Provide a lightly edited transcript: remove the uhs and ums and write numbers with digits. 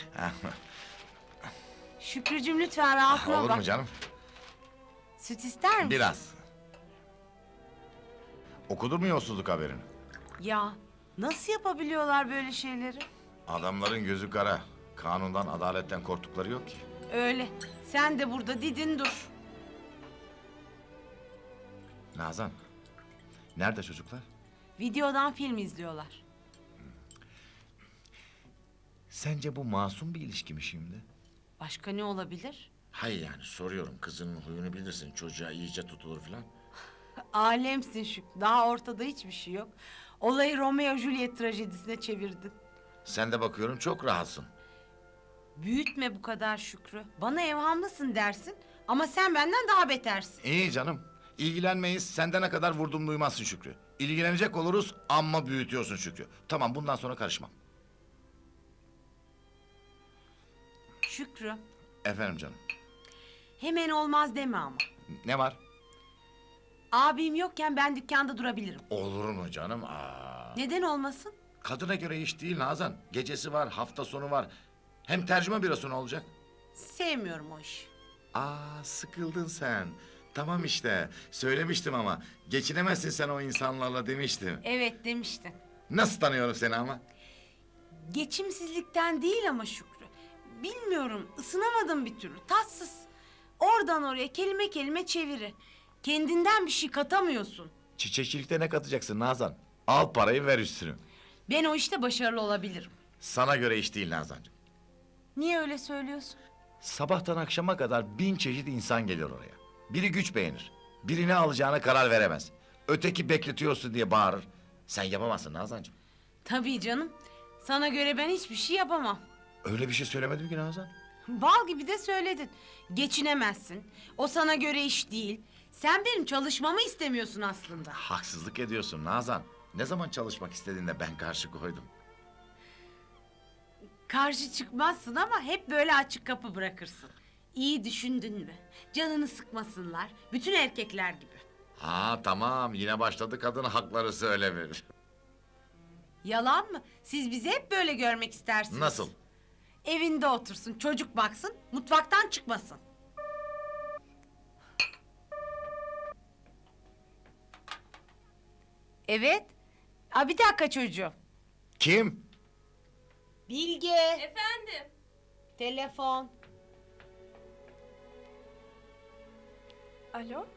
Şükrücüğüm lütfen rahatına Olur bak. mu canım? Süt ister misin? Biraz. Okudun mu yolsuzluk haberini? Ya nasıl yapabiliyorlar böyle şeyleri? Adamların gözü kara. Kanundan, adaletten korktukları yok ki. Öyle. Sen de burada didin dur. Nazan, nerede çocuklar? Videodan film izliyorlar. Sence bu masum bir ilişki mi şimdi? Başka ne olabilir? Hayır yani soruyorum. Kızının huyunu bilirsin. Çocuğa iyice tutulur falan. Alemsin Şükrü. Daha ortada hiçbir şey yok. Olayı Romeo Juliet trajedisine çevirdin. Sen de bakıyorum çok rahatsın. Büyütme bu kadar Şükrü. Bana evhamlısın dersin ama sen benden daha betersin. İyi canım. İlgilenmeyiz. Sende ne kadar vurdum duymazsın Şükrü. İlgilenecek oluruz amma büyütüyorsun Şükrü. Tamam bundan sonra karışmam. Şükrü, Efendim canım. hemen olmaz deme ama. Ne var? Abim yokken ben dükkanda durabilirim. Olur mu canım? Aa. Neden olmasın? Kadına göre iş değil Nazan. Gecesi var, hafta sonu var. Hem tercüme bürosu ne olacak? Sevmiyorum o işi. Sıkıldın sen. Tamam işte. Söylemiştim ama. Geçinemezsin sen o insanlarla demiştim. Evet demiştin. Nasıl tanıyorum seni ama? Geçimsizlikten değil ama Şükrü. Bilmiyorum, ısınamadım bir türlü. Tatsız. Oradan oraya kelime kelime çeviri. Kendinden bir şey katamıyorsun. Çiçekçilikte ne katacaksın Nazan? Al parayı ver üstünü. Ben o işte başarılı olabilirim. Sana göre iş değil Nazancığım. Niye öyle söylüyorsun? Sabahtan akşama kadar 1000 çeşit insan geliyor oraya. Biri güç beğenir. Biri ne alacağına karar veremez. Öteki bekletiyorsun diye bağırır. Sen yapamazsın Nazancığım. Tabii canım. Sana göre ben hiçbir şey yapamam. Öyle bir şey söylemedim ki Nazan. Bal gibi de söyledin. Geçinemezsin. O sana göre iş değil. Sen benim çalışmamı istemiyorsun aslında. Haksızlık ediyorsun Nazan. Ne zaman çalışmak istediğinde ben karşı koydum. Karşı çıkmazsın ama hep böyle açık kapı bırakırsın. İyi düşündün mü? Canını sıkmasınlar. Bütün erkekler gibi. Tamam yine başladı kadın hakları söylemir. Yalan mı? Siz bizi hep böyle görmek istersiniz. Nasıl? Evinde otursun, çocuk baksın, mutfaktan çıkmasın. Evet. Bir dakika çocuğum. Kim? Bilge. Efendim? Telefon. Alo?